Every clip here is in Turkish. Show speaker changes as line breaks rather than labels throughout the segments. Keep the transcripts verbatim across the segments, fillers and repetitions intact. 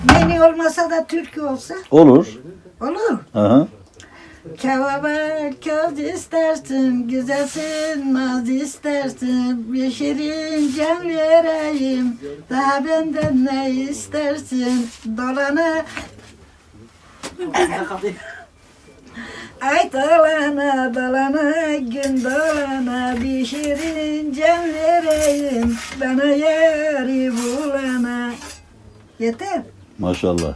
Menü olmasa da türkü olsa
Olur.
olur.
Aha.
Kavabar köz istersin, güzelsin naz istersin, bir şirin can vereyim, daha benden ne istersin, dolana ay dolana dolana gün dolana, bir şirin can vereyim, bana yari bulana. Yeter.
Maşallah.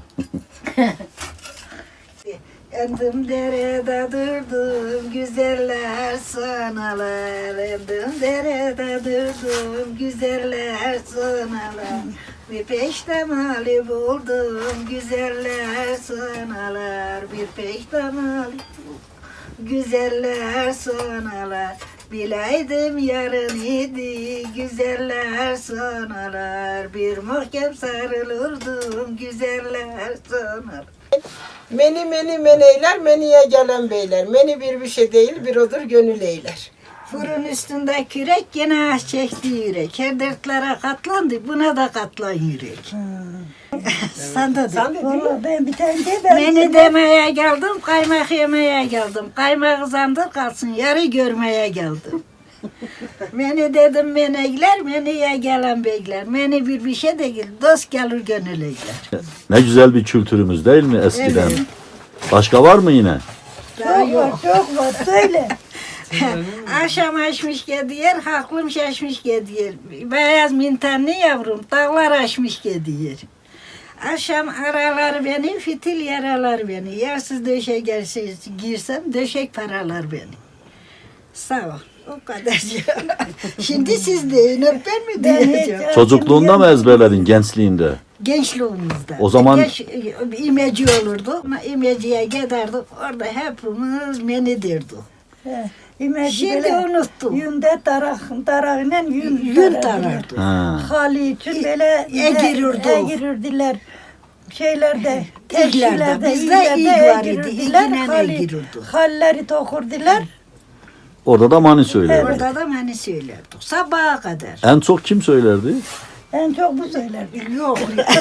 Endim derede durdum, güzeller sonalar. Endim derede durdum, güzeller sonalar. Bir peştemali buldum, güzeller sonalar. Bir peştemali buldum, güzeller sonalar. Bileydim yarın idi, güzeller sonalar. Bir mahkem sarılırdım, güzeller sonalar.
Meni meni meneyler, meniye gelen beyler. Meni bir bir şey değil, bir odur gönül eyler.
Fırın üstünde kürek, gene ah çekti yürek. Her dertlere katlandı, buna da katlan yürek. Sen de de.
Sen de değil mi?
Ben bir tane de ben.
Beni demeye geldim, kaymak yemeye geldim. Kaymak zandır kalsın, yarı görmeye geldim. Beni dedim meneyler, meniye gelen beyler. Meni bir bir şey değil, dost gelir gönül eyler.
Ne güzel bir kültürümüz değil mi eskiden?
Evet.
Başka var mı yine?
Daha
Çok var,
yok.
çok var. Söyle.
Akşam açmış gediyer, haklım şaşmış gediyer. Beyaz mintanlı yavrum, dağlar açmış gediyer. Akşam aralar beni, fitil yaralar beni. Yersiz döşek gelsiz girsem, döşek paralar beni. Sağ ol. O kadar. Şimdi siz deyin, hep ben mi
Ben
diyeceğim?
hiç-
Çocukluğunda mı ezberledin, gençliğinde?
Gençliğimizde.
O zaman-
Geç, imeci olurdu. İmeciye giderdik. Orada hepimiz meni derdik.
He, İmeci
Şimdi
böyle
unuttum.
Yünde tarak, tarakla yün,
Yün
tarardılar.
tarardı.
Ha.
Hali için böyle
egirirdi.
egirirdiler. Şeylerde,
İglerde,
teşkilerde,
bizde
illerde
ig var idi,
egirirdiler.
igle
Hali,
egirirdi.
halleri tokurdiler.
Orada da mani söylerdi.
Orada da mani söylerdik. Sabaha kadar.
En çok kim söylerdi?
En çok bu söylerdi.
Yok.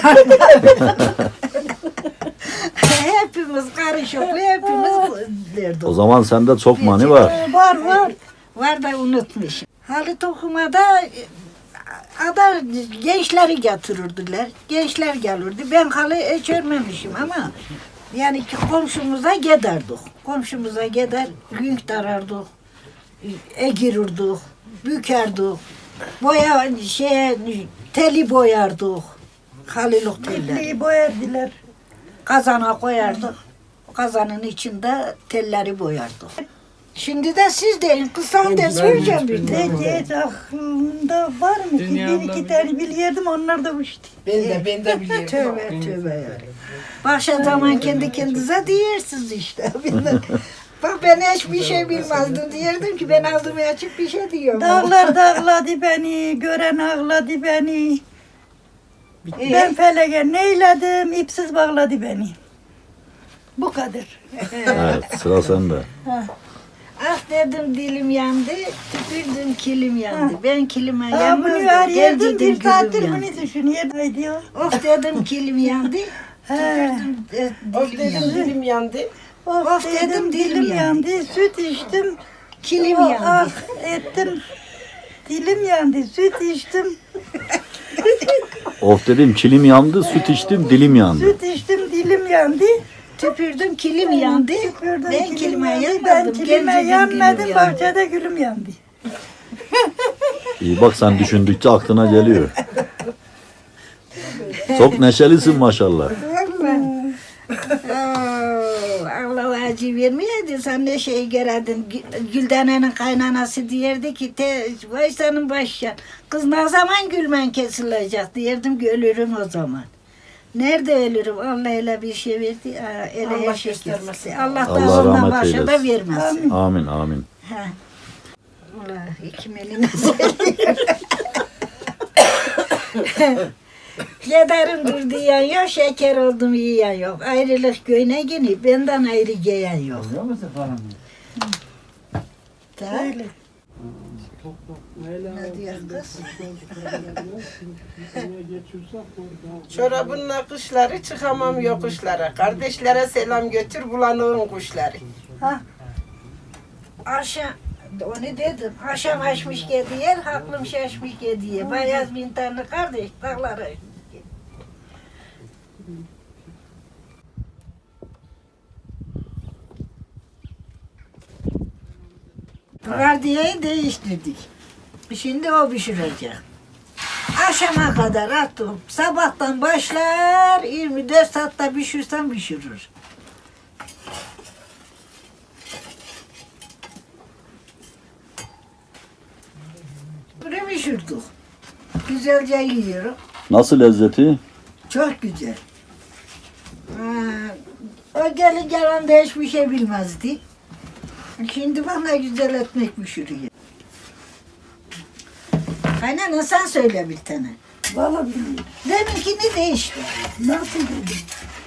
Hepimiz karışıklı, hepimiz derdik.
O zaman sende çok mani var.
Ee, Var var.
Var da unutmuş. Halit okumada ada gençleri getirirdiler. Gençler gelirdi. Ben halı hiç örmemişim ama yani ki komşumuza giderdik. Komşumuza gider, yük tarardık, egirirdik, bükerdik. Boya şey teli boyardık. Halılık teller.
İpliği boyardılar.
Kazana koyardık. Kazanın içinde telleri boyardık. Şimdi de siz deyin. Kısan da söyleyeceğim bir de.
Ne hiç aklımda var mı ki? Bir iki tane biliyordum, onlar da uçtu.
Ben de, ben de biliyorum.
Tövbe tövbe yani. Başka zaman kendi kendinize diyersiniz işte. Bak ben hiçbir şey bilmezdim diyerdim ki ben ağzımı açıp bir şey diyorum.
Dağlar dağladı beni, gören ağladı beni.
Ee,
Ben felege neyledim, ipsiz bağladı beni. Bu kadar.
Evet, sıra sende.
Ah dedim dilim yandı, tükürdüm kilim yandı. Ben kilime
Ha,
yanmaz
bunu
da
arıyordum,
geldi
bir
gülüm
saattir
yandı.
bunu düşünüyordum. Haydi ya.
Of dedim kilim yandı,
He.
tükürdüm e,
Of
dilim
dedim
yandı.
dilim yandı.
Of,
Of
dedim,
dedim,
dilim
dilim
yandı. Süt içtim.
Kilim
Oh,
yandı.
Ah ettim. Dilim yandı, süt içtim.
Of dedim, kilim yandı, süt içtim, dilim yandı.
Süt içtim, dilim yandı.
Tüpürdüm kilim yandı.
Tükürdüm,
Ben
kilim
kilime
yandı.
yanmadım.
Ben kilime
geldi
yanmadım,
gülüm yandı.
bahçede gülüm yandı.
İyi bak, sen düşündükçe aklına geliyor. Çok neşelisin maşallah.
Oo, Allah acı vermeyeydi. Sen ne şey gererdin. Gü- Güldene'nin kaynanası diyerdi ki te, vay senin başya. Kız ne zaman gülmen kesilecek diyerdim ki ölürüm o zaman. Nerede ölürüm? Allah öyle bir şey verdi. Aa, öyle
Allah
her şey
göstermesin.
kesildi. Allah da
Allah
ondan
rahmet
başa da
eylesin.
vermesin.
Amin, amin.
Ha. Allah kim eline söylüyor. Giderim dur diyen yok, şeker oldum yiyen yok. Ayrılık göğüne gini, benden ayrı giyen yok.
Söyle.
Ne diyor kız?
Çorabın nakışları çıkamam yokuşlara. Kardeşlere selam götür bulanığın kuşları.
Ha,
Akşam, onu dedim. Akşam açmış gediyer, haklım şaşmış gediyer. Bayaz mintanlı kardeş dağlara. Gardiyeyi değiştirdik. Şimdi o pişirecek. Akşama kadar attım. Sabahtan başlar, yirmi dört saatte pişirsem pişirir. Bunu pişirdik. Güzelce yiyoruz.
Nasıl lezzeti?
Çok güzel. Ha, o gelin gelende hiçbir şey bilmezdi. Şimdi bana güzel ekmek pişiriyor. Kaynana sen söyle bir tane.
valla bilmiyorum.
Deminkini değişti.
Nasıl dedim?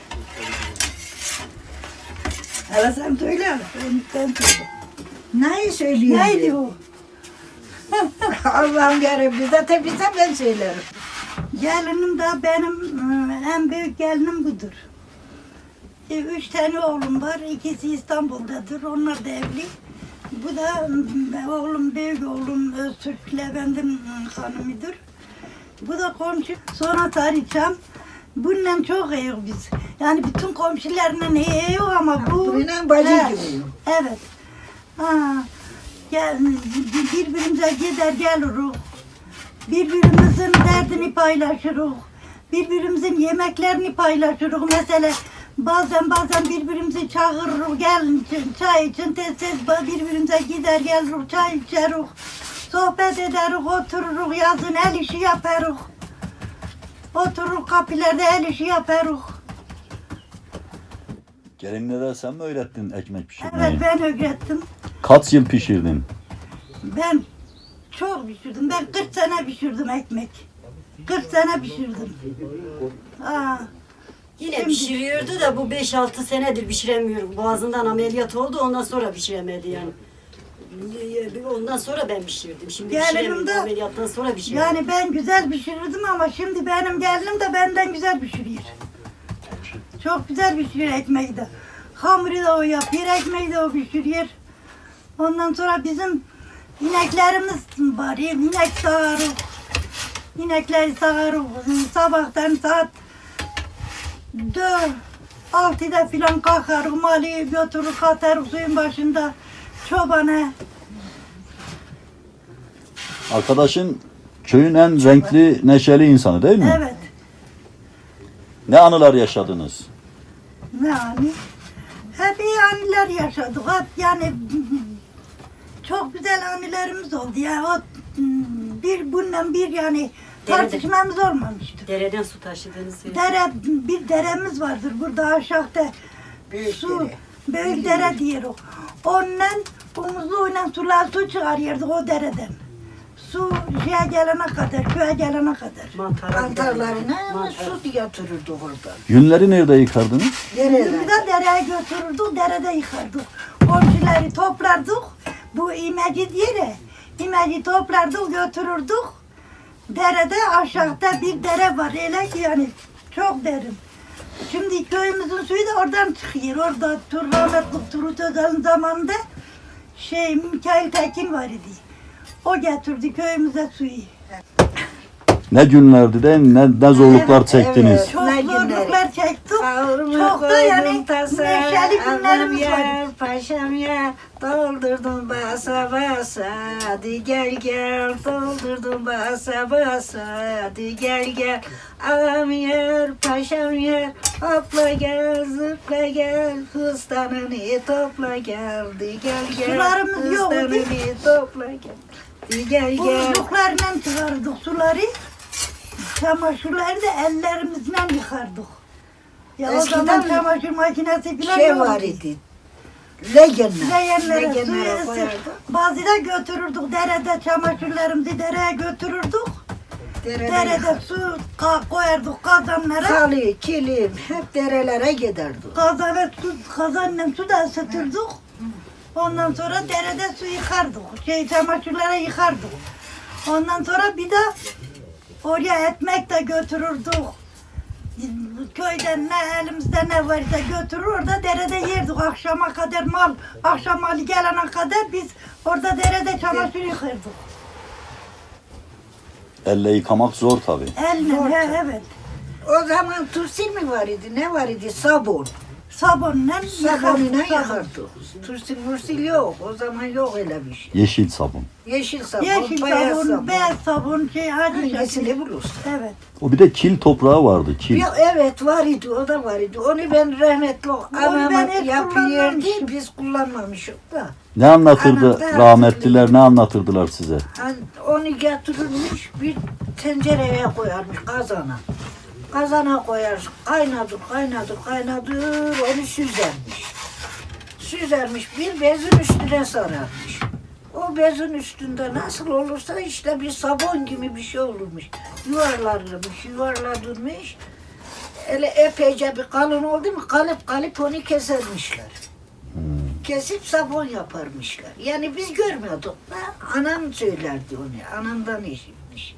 Hele sen söyle. Ben, ben söyle.
Neyi söylüyorsun?
Neydi o?
Allah'ım yarabbim. Zaten bilsem ben söylerim.
Gelinim de benim e, en büyük gelinim budur. E, Üç tane oğlum var. İkisi İstanbul'dadır. Onlar da evli. Bu da e, oğlum, büyük oğlum Öztürk Levent'in e, hanımıdır. Bu da komşu. Sonra tarihçam. Bununla çok iyi biz. Yani bütün komşularla iyi yok ama bu...
Bununla bacı
He,
gibi.
Evet. Ha, gel, birbirimize gider geliriz. Birbirimizin derdini paylaşırız. Birbirimizin yemeklerini paylaşırız. Mesela bazen bazen birbirimizi çağırırız. Gelin çay için tez tez birbirimize gider geliriz. Çay içeriz. Sohbet ederiz, otururuz. Yazın el işi yaparız. Oturur kapılarda el işi yaparız.
Gelinlere sen mi öğrettin ekmek pişirmeyi?
Evet ben öğrettim.
Kaç yıl pişirdin?
Ben çok pişirdim. Ben kırk sene pişirdim ekmek. kırk sene pişirdim. Aa,
Yine
Şimdi-
pişiriyordu da bu beş altı senedir pişiremiyorum. Boğazından ameliyat oldu ondan sonra pişiremedi yani. Ondan sonra ben pişirdim. Şimdi
Gelinim
pişiremiyorum.
de-
Ameliyattan sonra pişirdim.
yani ben güzel pişirirdim ama şimdi benim gelinim de benden güzel pişiriyor. Çok güzel pişiriyor ekmeği de. Hamuru da o yapıyor, ekmeği de o pişiriyor. Ondan sonra bizim ineklerimiz var. İnek sağarız. İnekleri sağarız. Sabahtan saat dört, altıda filan kalkarız. Mali götürür katarız suyun başında. Çobana.
Arkadaşın köyün en renkli, neşeli insanı değil mi?
Evet.
Ne anılar yaşadınız?
Ne yani? Hep iyi anılar yaşadık. Hep yani çok güzel anılarımız oldu. Ya o bir bundan bir yani tartışmamız olmamıştı.
Dereden su taşıdığını söyledi.
Dere, bir deremiz vardır burada aşağıda.
Büyük
Su,
dere.
büyük dere diyoruz. Ondan omuzluğuyla sular su çıkarıyorduk o dereden. Su şeye gelene kadar, köye gelene kadar.
Mantara
Kantarlarına
Mantar.
su yatırırdık orada.
Yünleri nerede yıkardınız?
Nereden?
Biz de dereye götürürdük, derede yıkardık. Komşuları toplardık. Bu imeci diye de, imeci toplardık, götürürdük. Derede aşağıda bir dere var. Öyle ki yani çok derin. Şimdi köyümüzün suyu da oradan çıkıyor. Orada Tur rahmetli Turut Özal'ın zamanında şey Mikail Tekin var idi. O getirdi köyümüze suyu.
Ne günlerdi de ne, ne zorluklar
Evet,
çektiniz.
evet.
Çok
Ne günleri?
zorluklar çektik.
Ağırımı
Çok da yani
koydum tasa,
neşeli
anam
günlerimiz var.
yer, paşam yer, doldurdum basa basa, hadi gel gel, doldurdum basa basa, hadi gel gel, ağam yer, paşam yer, hopla gel, zıpla gel, hıstanını topla gel, hadi gel gel,
Sularımız yok, değil mi?
hıstanını topla gel, hadi gel gel.
Buzluklarla çıkardık suları. Çamaşırları da ellerimizle yıkardık. Ya
Eskiden
o zaman çamaşır makinesi falan
Şey
yoktu.
var idi, legenler,
Leğenlere suyu
legenlere
ısıt.
koyardık.
Bazıda götürürdük derede çamaşırlarımızı dereye götürürdük.
Derede
Derede su ka- koyardık kazanlara.
Halı, kilim hep derelere giderdi.
Kazana su, kazanla su da ısıtırdık. Ondan sonra derede su yıkardık. Şey çamaşırlara yıkardık. Ondan sonra bir de oraya ekmek de götürürdük. Köyden ne elimizde ne varsa götürür orada derede yerdik akşama kadar mal. Akşam malı gelene kadar biz orada derede çamaşır yıkardık.
Elle yıkamak zor tabii.
Elle,
Zor
he,
tabii.
evet.
O zaman tursil mi var idi? Ne var idi? Sabun.
Sabunla
Sabunla
yıkardık.
yıkardık. Tursil mursil yok. O zaman yok öyle bir şey.
Yeşil sabun.
Yeşil sabun,
Yeşil
beyaz
sabun,
sabun.
beyaz sabun, şey hadi
Hangisini bulursun?
Evet.
O bir de kil toprağı vardı. Kil.
Ya, evet var idi, o da var idi. Onu ben rahmetli anam
ben hiç
yapıyordu,
kullanmamışım.
biz kullanmamışık da.
Ne anlatırdı
Anam da
rahmetliler, ne anlatırdılar size?
Hani onu getirilmiş bir tencereye koyarmış kazana. Kazana koyar, kaynadır, kaynadır, kaynadır, onu süzermiş. Süzermiş, bir bezin üstüne sararmış. O bezin üstünde nasıl olursa işte bir sabun gibi bir şey olurmuş. Yuvarlanırmış, yuvarlanırmış. Öyle epeyce bir kalın oldu mu kalıp kalıp onu kesermişler. Kesip sabun yaparmışlar. Yani biz görmüyorduk da anam söylerdi onu. Anamdan işitmiş.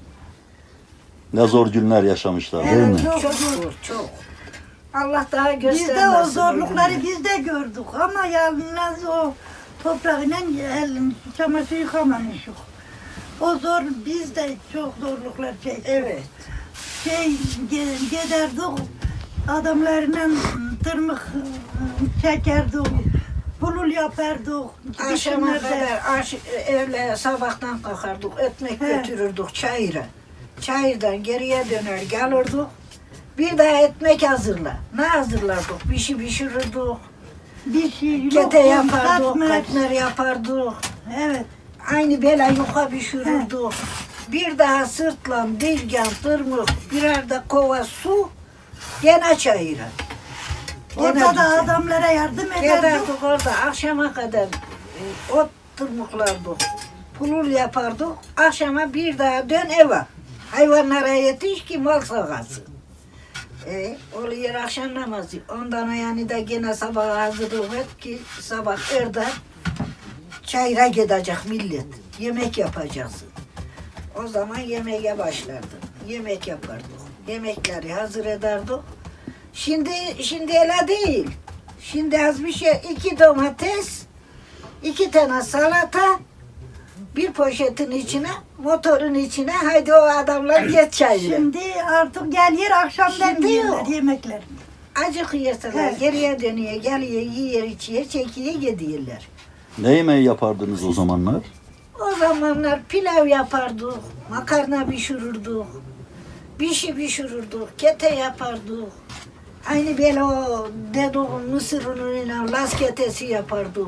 Ne zor günler yaşamışlar değil mi?
Evet, çok zor, çok. Allah daha
Biz de o
göstermesin.
zorlukları
günleri.
biz de gördük ama yalnız o toprağıyla elin çamaşır yıkamamışık. O zor, biz de çok zorluklar çektik.
Evet.
Şey ge- giderdik, adamlarla tırmık çekerdik, bulul yapardık.
Akşama
Dikimlerde.
kadar aş, evle sabahtan kalkardık, ekmek
He.
götürürdük çayıra. Çayırdan geriye döner gelirdik. Bir daha ekmek hazırla. Ne hazırlardık? Bir şey pişirirdik.
Bir şey yok,
Kete yapardık,
katmer.
katmer yapardık.
Evet.
Aynı böyle yuka pişirirdik. Bir daha sırtla, dilgen, tırmık, birer de kova su, gene çayıra.
Orada da
güzel.
adamlara yardım ederdik.
Giderdik orada akşama kadar e, ot tırmıklardık, pulul yapardık. Akşama bir daha dön eve. Hayvanlara yetiş ki mal sağasın. E, oluyor akşam namazı. Ondan yani da gene sabah hazırlık et ki sabah erden çayıra gidecek millet. Yemek yapacaksın. O zaman yemeğe başlardık. Yemek yapardık. Yemekleri hazır ederdik. Şimdi şimdi öyle değil. Şimdi az bir şey iki domates, iki tane salata, bir poşetin içine, motorun içine haydi o adamlar geç çayırı.
Şimdi artık gel yer akşamdan
Şimdi
yiyorlar
yok.
yemekler.
Acık yerseler
Evet.
geriye dönüyor, geliyor, yiyor, içiyor, çekiyor, gidiyorlar.
Ne yemeği yapardınız o zamanlar?
O zamanlar pilav yapardık, makarna pişirirdik, bir şey pişirirdik, kete yapardık. Aynı böyle o dediğim mısır unuyla las ketesi yapardık.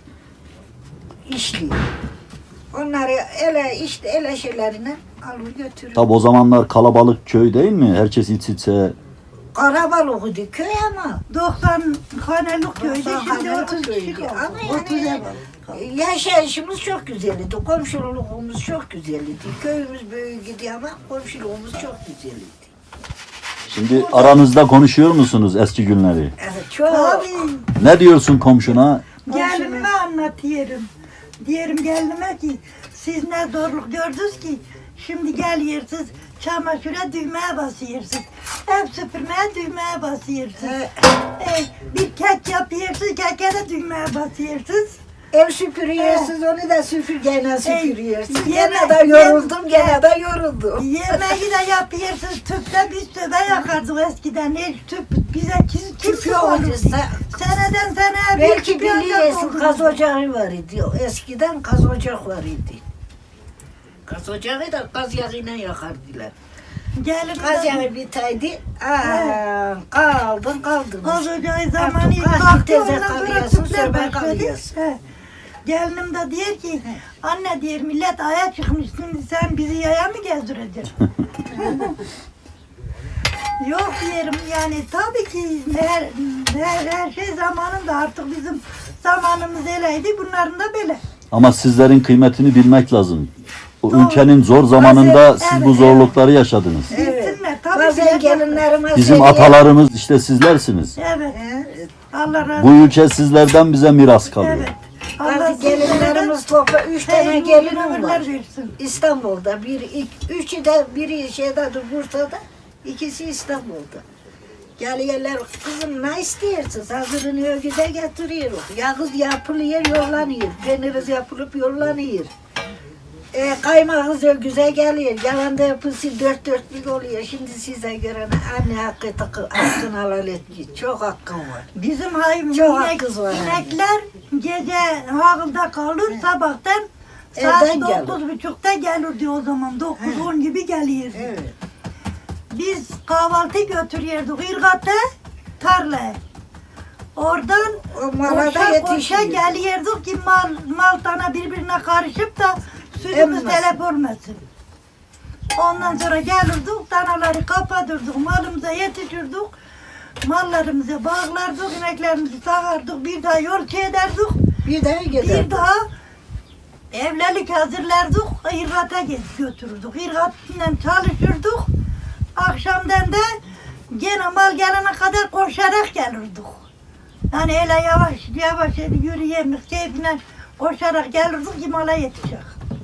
İşli. Onları ele işte ele şeylerine alır götürür.
Tabi o zamanlar kalabalık köy değil mi? Herkes iç içe.
Karabalıktı köy ama.
doksan hanelik köyde
doksan
şimdi
hanelik
otuz kişi
köydü.
kaldı.
Ama
otuz
yani
ev.
yaşayışımız çok güzeldi. Komşuluğumuz çok güzeldi. Köyümüz büyük gidiyor ama komşuluğumuz çok güzeldi.
Şimdi aranızda konuşuyor musunuz eski günleri?
Evet çok.
Tabii
Ne diyorsun komşuna?
gelinime anlatıyorum. Diyelim gelinime ki siz ne zorluk gördünüz ki şimdi geliyorsunuz çamaşıra düğmeye basıyorsunuz. Ev süpürmeye düğmeye basıyorsunuz.
He.
E, bir kek yapıyorsunuz, keke de düğmeye basıyorsunuz.
Ev süpürüyorsunuz, onu da süpürgeyle süpürüyorsunuz.
Ey,
Gene
yeme-
de yoruldum,
yem-
gene de yoruldum.
Yemeği de yapıyorsunuz. Tüpte biz tüpe yakardık eskiden. Hiç tüp bize kim, kim
Tüp
tüp
yok
olur?
olursa,
Seneden seneye bir
belki
tüp yancak
biliyorsun
oldu.
kaz ocağı var idi. Eskiden kaz ocak var idi. Kaz ocağı da kaz yağıyla yakardılar.
Gelin
Kaz yağı biteydi, aa, kaldın kaldın.
Kaz ocağı zamanı
Artık kaç
kalktı
teze
ondan sonra
kalıyorsun,
tüpler
soba
başladı.
kalıyorsun.
He. Gelinim de diyor ki anne diyor millet aya çıkmışsın sen bizi yaya mı gezdireceksin? Yok diyelim yani tabii ki her, her, her şey zamanında artık bizim zamanımız öyleydi bunların da böyle.
Ama sizlerin kıymetini bilmek lazım. O
Doğru.
ülkenin zor zamanında
Bazen-
siz bu
evet,
zorlukları yaşadınız.
Evet.
Bilsinler, tabii
Bazen
ki.
gelinlerime
Bizim
söylüyorum.
atalarımız işte sizlersiniz.
Evet.
He,
Allah razı
Bu ülke sizlerden bize miras kalıyor.
Evet. Allah
Bazı gelinlerimiz topla, üç tane
Hey,
gelinim
ömürler
var.
versin.
İstanbul'da, bir, iki, üçü de biri şeydedir Bursa'da, ikisi İstanbul'da. Geliyorlar, kızım ne istiyorsunuz? Hazırını ögüde getiriyoruz. Yağız yapılıyor, yollanıyor. Peyniriz yapılıp yollanıyor. E, kaymağız ögüze geliyor. Yalan da yapısı dört dörtlük oluyor. Şimdi size göre anne hakkı takı, hakkını halal etmiyor. Çok hakkım var.
Bizim hayvan
Çok
inek,
hakkınız var yani.
inekler gece havılda kalır, sabahtan
Evden
saat
gelir.
dokuz buçukta gelirdi o zaman. Dokuz on gibi geliyordu.
Evet.
Biz kahvaltı götürüyorduk İrgat'a, tarlaya. Oradan
O mala da
koşa koşa
yetişiyor.
geliyorduk ki mal, mal tane birbirine karışıp da sütümüz
Emmesin.
telef olmasın. Ondan sonra gelirdik, danaları kapatırdık, malımıza yetişirdik. Mallarımıza bağlardık, ineklerimizi sağardık, bir daha yol ederdik.
Bir daha gider.
Bir daha evlilik hazırlardık, İrgat'a götürürdük. İrgat'la çalışırdık. Akşamdan da gene mal gelene kadar koşarak gelirdik. Yani öyle yavaş yavaş yürüyemek keyfine koşarak gelirdik ki mala yetişecek.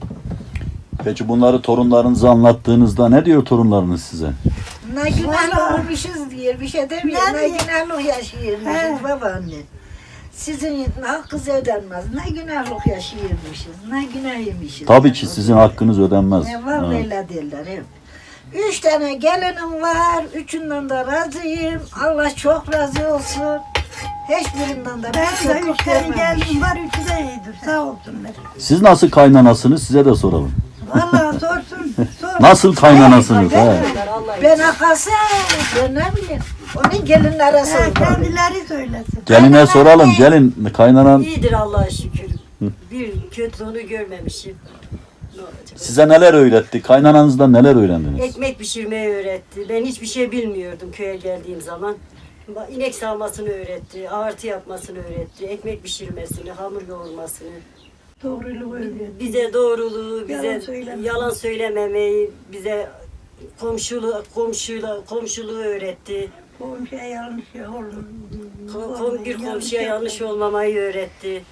Peki bunları torunlarınıza anlattığınızda ne diyor torunlarınız size?
Ne günahlı
Vallahi.
olmuşuz diyor, bir şey demiyor.
Ne
Ne
diyor?
günahlı yaşıyormuşuz
He.
babaanne. Sizin hakkınız ödenmez. Ne günahlık yaşıyormuşuz, ne günah yemişiz.
Tabii ki sizin hakkınız ödenmez.
Ne var
Ha.
öyle derler hep. Üç tane gelinim var, üçünden de razıyım. Allah çok razı olsun. Hiçbirinden de
Ben
bir
de
kötülük
üç tane
görmemişim.
geldim var, üçü de iyidir. Sağ olsunlar.
Siz nasıl kaynanasınız size de soralım.
Vallahi sorsun. Sor.
Nasıl kaynanasınız?
Ben,
He.
ben akası, ben ne bileyim. Onun gelinlere
Ha,
sordu.
kendileri söylesin.
Geline soralım. Gelin kaynanan
İyidir Allah'a şükür. Bir kötülüğünü görmemişim. Ne olacak?
size neler öğretti? Kaynananızdan neler öğrendiniz?
Ekmek pişirmeyi öğretti. Ben hiçbir şey bilmiyordum köye geldiğim zaman. Ba- İnek sağmasını öğretti, ağırtı yapmasını öğretti, ekmek pişirmesini, hamur yoğurmasını.
Doğruluğu öyle.
Bize doğruluğu, bize
Yalan söyleme.
yalan söylememeyi, bize komşuluğu, komşuyla, komşuluğu öğretti.
Komşuya yanlış olun.
Kom- kom- bir komşuya yanlış olmamayı öğretti.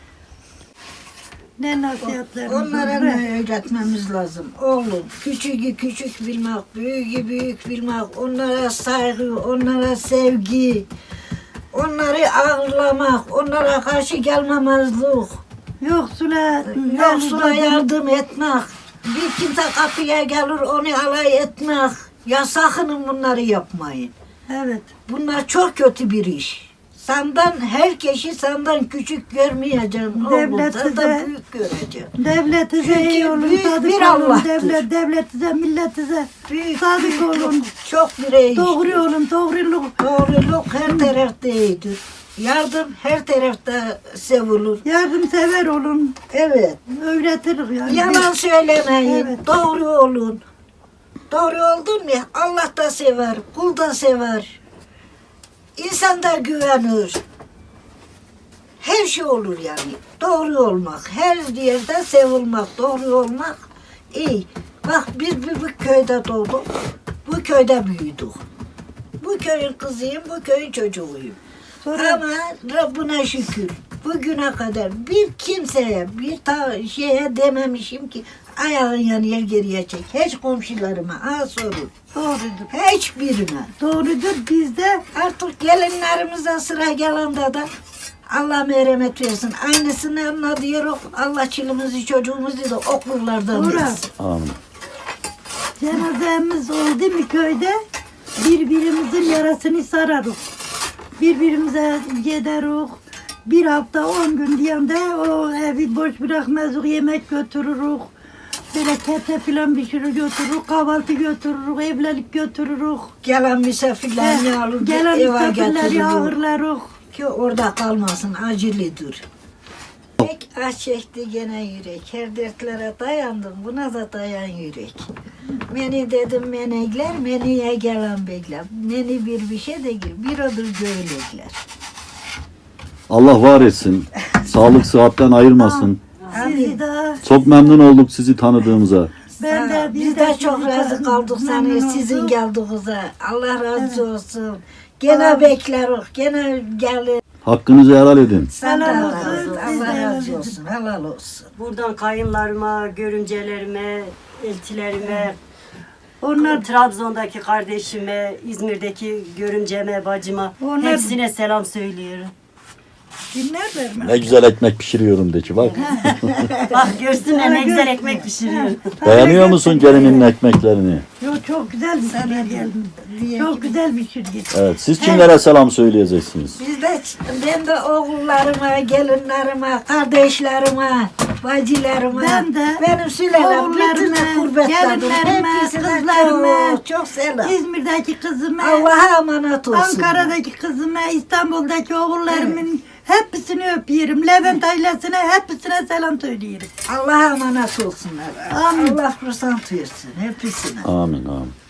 Ne nasihatleriniz
Onlara
var?
ne öğretmemiz lazım? Oğlum, küçüğü küçük bilmek, büyüğü büyük bilmek, onlara saygı, onlara sevgi, onları ağırlamak, onlara karşı gelmemezlik,
Yoksula,
yoksula yardım etmek, bir kimse kapıya gelir onu alay etmek. Ya sakının bunları yapmayın.
Evet.
Bunlar çok kötü bir iş. Senden herkesi senden küçük görmeyeceksin. Oğlum,
Devlet
senden
size-
büyük göreceksin.
Devletinize
Çünkü
iyi olun,
büyük
sadık
bir
olun.
Allah'tır.
Devlet, devletinize, milletinize
Büyük,
sadık
büyük,
olun.
Çok birey
Doğru
iştir.
olun, doğruluk.
Doğruluk her tarafta iyidir. Yardım her tarafta sevilir.
Yardımsever olun.
Evet.
Öğretirik yani.
Yalan söylemeyin.
Evet.
Doğru olun. Doğru oldun mu Allah da sever, kul da sever. İnsan da güvenir. Her şey olur yani. Doğru olmak, her yerde sevilmek, doğru olmak iyi. Bak biz bu, bu köyde doğduk, bu köyde büyüdük. Bu köyün kızıyım, bu köyün çocuğuyum.
Sonra
Ama Rabbine şükür bugüne kadar bir kimseye, bir ta şeye dememişim ki ayağın yanıyor geriye çek. Hiç komşularıma ha sorun.
doğrudur.
Hiçbirine.
Doğrudur. Bizde
Artık gelinlerimize sıra gelende de Allah merhamet versin. Aynısını anlatıyoruz. Allah çilimizi çocuğumuzu da okullardan
Doğru.
versin.
Amin.
cenazemiz oldu mu köyde birbirimizin yarasını sararız. Birbirimize gideriz. Bir hafta on gün diyende o evi boş bırakmazız, yemek götürürüz. Böyle kete filan pişirir götürürüz, kahvaltı götürürüz, evlilik götürürüz.
Gelen misafirlerini alır
Gelen
eve
misafirleri
getirir.
ağırlarız.
Ki orada kalmasın acılıdır. Pek aç çekti gene yürek. Her dertlere dayandım. Buna da dayan yürek. Beni dedim menekler, meniye gelen bekler. Meni bir bir şey değil, bir odur göğlekler.
Allah var etsin. Sağlık sıhhatten ayırmasın.
Sizi de
Çok memnun olduk sizi tanıdığımıza.
ben de
Biz de çok
sizi
razı kaldık sana
memnun
sizin
olduk.
geldiğinize. Allah razı olsun. Gene bekleriz, gene gelin.
Hakkınızı helal edin.
Sen de
Helal
Allah
olsun,
razı olsun.
siz de
Allah
helal
razı
edin.
olsun. Helal olsun.
Buradan kayınlarıma, görümcelerime, eltilerime,
Onlar
Trabzon'daki kardeşime, İzmir'deki görümceme, bacıma
Onlar-
hepsine selam söylüyorum.
dinlerler mi?
Ne güzel ekmek pişiriyorum de ki bak.
Bak görsünler ne güzel ekmek pişiriyorum.
Beğeniyor musun gelininin ekmeklerini?
Yok çok güzel bir şey geldim.
diye
Çok güzel bir şey.
Evet. Siz kimlere selam söyleyeceksiniz?
Biz de, ben de oğullarıma, gelinlerime, kardeşlerime, bacılarıma,
Ben de
benim sülalem,
oğullarıma,
bütün gurbetlerim,
gelinlerime,
hepsine
kızlarıma,
çok, çok selam.
İzmir'deki kızıma,
Allah'a emanet olsun.
Ankara'daki kızıma, İstanbul'daki oğullarımın hepsini öpüyorum. Levent ailesine hepsine selam söylüyorum.
Allah'a emanet olsunlar.
Amin.
Allah kursan tuyursun hepsine.
Amin amin.